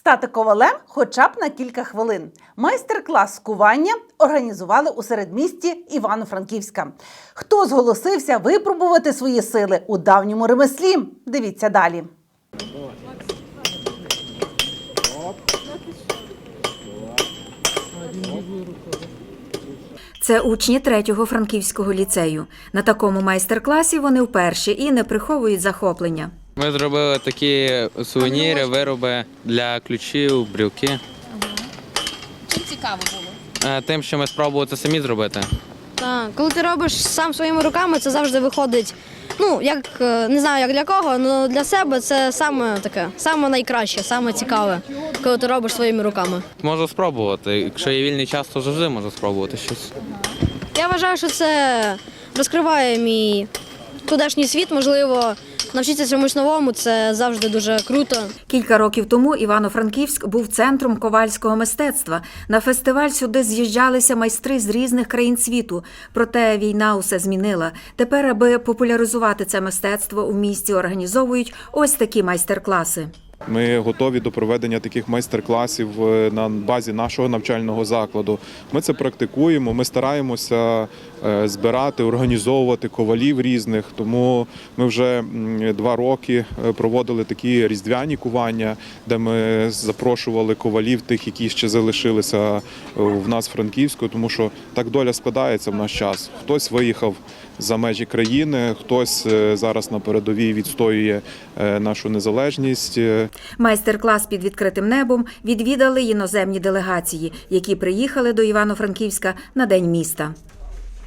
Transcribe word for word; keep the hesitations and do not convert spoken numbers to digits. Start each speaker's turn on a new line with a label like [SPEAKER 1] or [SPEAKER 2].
[SPEAKER 1] Стати ковалем хоча б на кілька хвилин. Майстер-клас з кування організували у середмісті Івано-Франківська. Хто зголосився випробувати свої сили у давньому ремеслі? Дивіться далі.
[SPEAKER 2] Це учні третього франківського ліцею. На такому майстер-класі вони вперше і не приховують захоплення.
[SPEAKER 3] Ми зробили такі сувеніри, вироби для ключів, брілки.
[SPEAKER 4] Ага. Чим цікаво було?
[SPEAKER 3] Тим, що ми спробували це самі зробити.
[SPEAKER 5] Так, коли ти робиш сам своїми руками, це завжди виходить, ну, як, не знаю, як для кого, але для себе це саме таке, саме найкраще, саме цікаве, коли ти робиш своїми руками.
[SPEAKER 3] Можу спробувати. Якщо є вільний час, то завжди можу спробувати щось.
[SPEAKER 5] Я вважаю, що це розкриває мій тутешній світ, можливо, навчитися чомусь новому, це завжди дуже круто.
[SPEAKER 2] Кілька років тому Івано-Франківськ був центром ковальського мистецтва. На фестиваль сюди з'їжджалися майстри з різних країн світу. Проте війна усе змінила. Тепер, аби популяризувати це мистецтво, у місті організовують ось такі майстер-класи.
[SPEAKER 6] Ми готові до проведення таких майстер-класів на базі нашого навчального закладу. Ми це практикуємо, ми стараємося збирати, організовувати ковалів різних, тому ми вже два роки проводили такі різдвяні кування, де ми запрошували ковалів тих, які ще залишилися в нас в Франківську, тому що так доля складається в наш час. Хтось виїхав за межі країни, хтось зараз на передовій відстоює нашу незалежність.
[SPEAKER 2] Майстер-клас під відкритим небом відвідали іноземні делегації, які приїхали до Івано-Франківська на День міста.